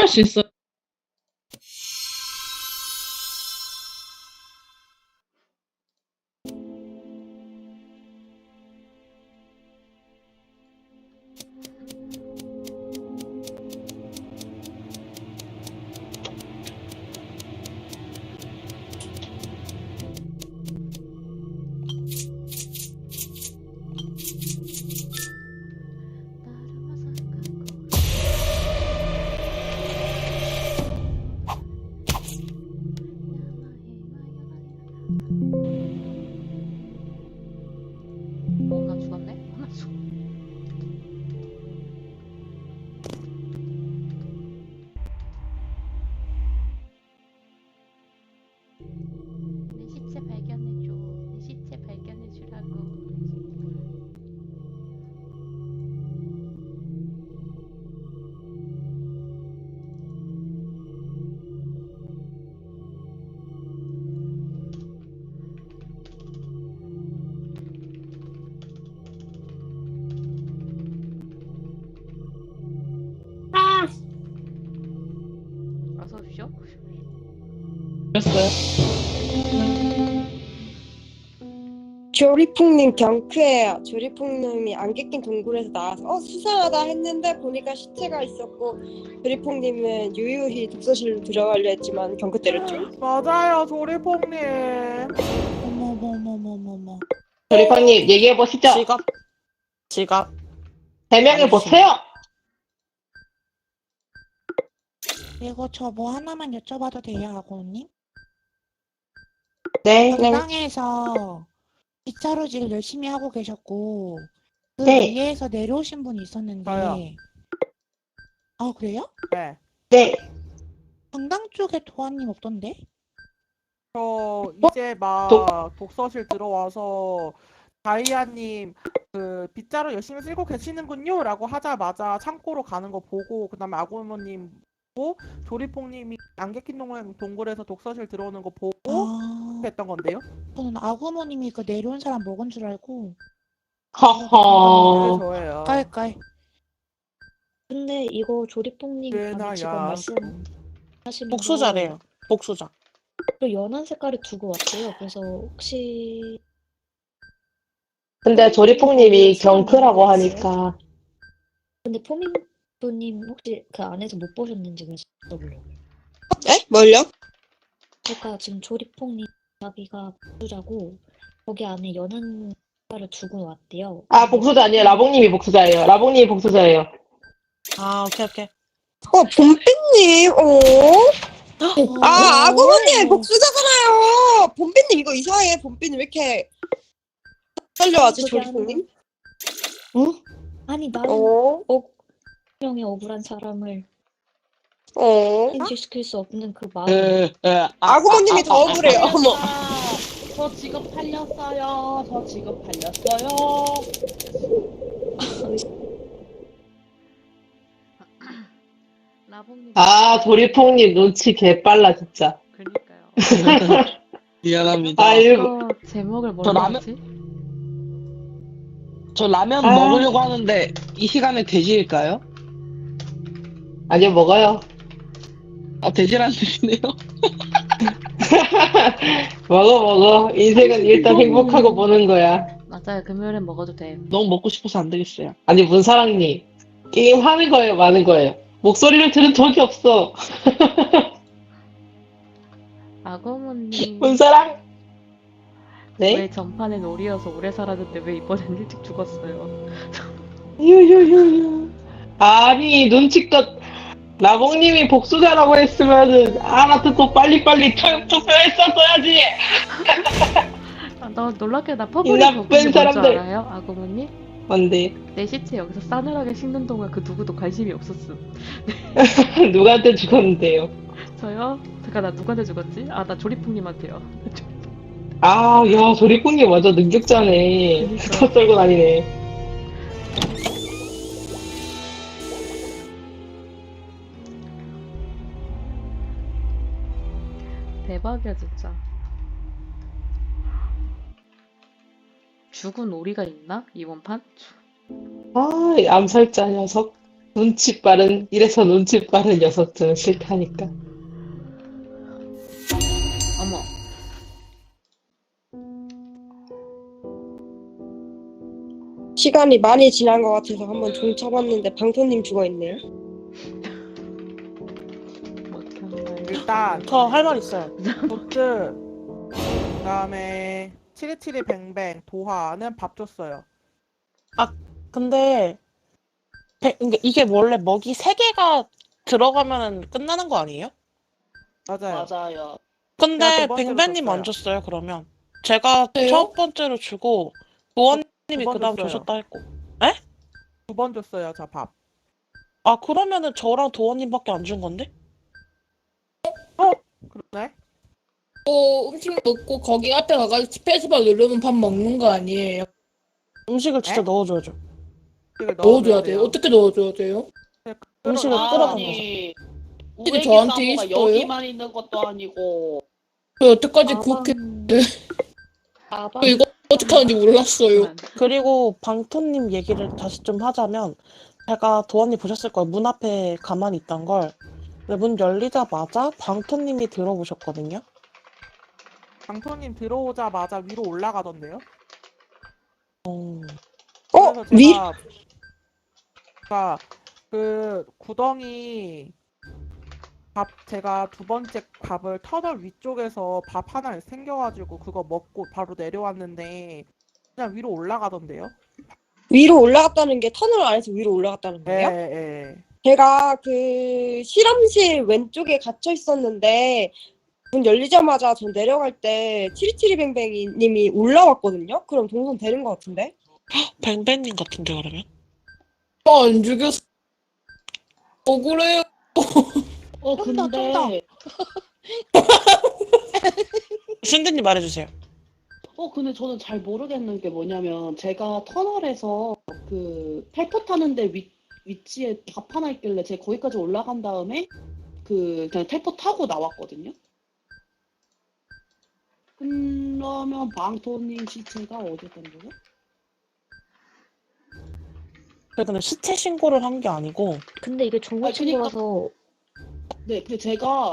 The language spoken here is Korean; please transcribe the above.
할 수 있어요. 나 죽었네? 나 죽. 내 시체 발견해줘. 내 시체 발견해주라고. 어서 오십시오. 그랬어요. 조리풍님 경크예요. 조리풍님이 안개 낀 동굴에서 나와서 수상하다 했는데 보니까 시체가 있었고 조리풍님은 유유히 독서실로 들어가려 했지만 경크 때렸죠. 맞아요, 조리퐁님. 어머머머머머머. 조리퍼님 얘기해 보시죠. 지갑. 해명해 보세요. 이거 저 뭐 하나만 여쭤봐도 돼요, 아고님? 네. 당에서 빗자루질 열심히 하고 계셨고 그 네. 위에서 내려오신 분이 있었는데. 저요. 아, 그래요? 네. 네. 강당 쪽에 도안님 없던데? 저 이제 막 독서실 들어와서 다이아님 그 빗자루 열심히 쓸고 계시는군요 라고 하자마자 창고로 가는 거 보고 그 다음에 아구모님 보고 조리퐁님이 안개 낀 동굴에서 독서실 들어오는 거 보고 아, 했던 건데요. 저는 아구모님이 그 내려온 사람 먹은 줄 알고. 그게 허허. 저예요. 깔깔. 근데 이거 조리뽕님 아니 지금 꽤나야. 말씀하신 복수자래요. 복수자. 또 연한 색깔을 두고 왔대요. 그래서 혹시 근데 조리풍님이 경크라고 하니까 근데 포민도님 혹시 그 안에서 못 보셨는지 그래서 물어보려고요. 에? 뭘요? 그러니까 지금 조리뽕님 자기가 복수자고 거기 안에 연한 색깔을 두고 왔대요. 아 복수자 아니에요. 라봉님이 복수자예요. 라봉님이 복수자예요. 아, 오케이. 봄빛님, 아, 아구모님 복수자잖아요. 봄빛님 이거 이상해. 봄빛님 왜 이렇게 떨려하지, 그게 조리풍님? 아니 나는 명의 억울한 사람을 인식시킬 수 없는 그 마음. 아구모님이 더 억울해요. 어머. 저 직업 팔렸어요. 저 직업 팔렸어요. 라봉님. 아 조리풍님 눈치 개빨라 진짜. 그러니까요. 미안합니다. 아이고. 이거 제목을 뭘로 라면- 하지? 저 라면 아. 먹으려고 하는데 이 시간에 돼지일까요? 아니요 먹어요. 돼지란 뜻이네요. 먹어. 인생은 일단 행복하고 보는 거야. 맞아요. 금요일엔 먹어도 돼. 너무 먹고 싶어서 안 되겠어요. 아니 문사랑님 게임 하는 거예요, 마는 거예요. 목소리를 들은 적이 없어. 아고모님. 문사랑. 네? 왜 전판엔 오리여서 오래 살았는데 왜 이번엔 일찍 죽었어요? 유유유유. 아니 눈치껏 라봉님이 복수자라고 했으면은 알아듣고 빨리빨리 투표했었어야지. 나 놀랍게 나 이 퍼블릭 나쁜 버튼이 뭔줄 사람들. 알아요? 아고모님? 뭔데? 내 시체 여기서 싸늘하게 식는 동안 그 누구도 관심이 없었음. 누구한테 죽었는데요? 저요? 잠깐 나 누구한테 죽었지? 아 나 조리풍님한테요. 아, 야, 조리꾼님 완전 능력자네. 그니까. 터 썰고 다니네. 대박이야 진짜. 죽은 오리가 있나? 이번 판? 아, 이 암살자 녀석. 이래서 눈치 빠른 녀석들은 싫다니까. 어머. 시간이 많이 지난 것 같아서 한번 종 쳐봤는데 방토님 죽어있네요. 어떻게 하나요? 일단 저 할 말 있어요. 도트 그다음에 치리치리 뱅뱅 도하는 밥 줬어요. 근데 이게 원래 먹이 3개가 들어가면 끝나는 거 아니에요? 맞아요. 맞아요. 근데 제가 두 번째로 뱅뱅님 줬어요. 안 줬어요, 그러면. 제가 왜요? 첫 번째로 주고 도원님이 두 번 그 다음 줬어요. 주셨다 했고. 2번 줬어요, 저 밥. 아, 그러면은 저랑 도원님밖에 안 준 건데? 그러네. 음식 먹고 거기 앞에 가가지고 스페이스바 누르면 밥 먹는 거 아니에요? 음식을 진짜 에? 넣어줘야죠. 이걸 넣어줘야 돼요. 어떻게 넣어줘야 돼요? 음식을 아, 끌어당겨서. 아니, 우리 저한테 사모가 있어요? 여기만 있는 것도 아니고 저 여태까지 그렇게 아방 이거 어떻게 하는지 몰랐어요. 그리고 방토님 얘기를 다시 좀 하자면 제가 도원님 보셨을 거예요. 문 앞에 가만히 있던 걸. 근데 문 열리자마자 방토님이 들어보셨거든요. 방토님 들어오자마자 위로 올라가던데요? 그래서 위? 제가 그 구덩이 제가 두 번째 밥을 터널 위쪽에서 밥 하나 생겨가지고 그거 먹고 바로 내려왔는데 그냥 위로 올라가던데요? 위로 올라갔다는 게 터널 안에서 위로 올라갔다는 거예요? 예. 제가 그 실험실 왼쪽에 갇혀 있었는데 문 열리자마자 전 내려갈 때 치리치리뱅뱅이님이 올라왔거든요? 그럼 동선 되는 것 같은데? 뱅뱅님 같은데 그러면? 안 죽였어. 억울해요. 쫀다, 근데 순대님 말해주세요. 근데 저는 잘 모르겠는 게 뭐냐면 제가 터널에서 그 텔포 타는데 위치에 밥 하나 있길래 제가 거기까지 올라간 다음에 그냥 텔포 타고 나왔거든요. 그러면 방토님 시체가 어디였던 거죠? 근데 시체 신고를 한 게 아니고 근데 이게 그러니까- 정보 친구라서 네, 근데 제가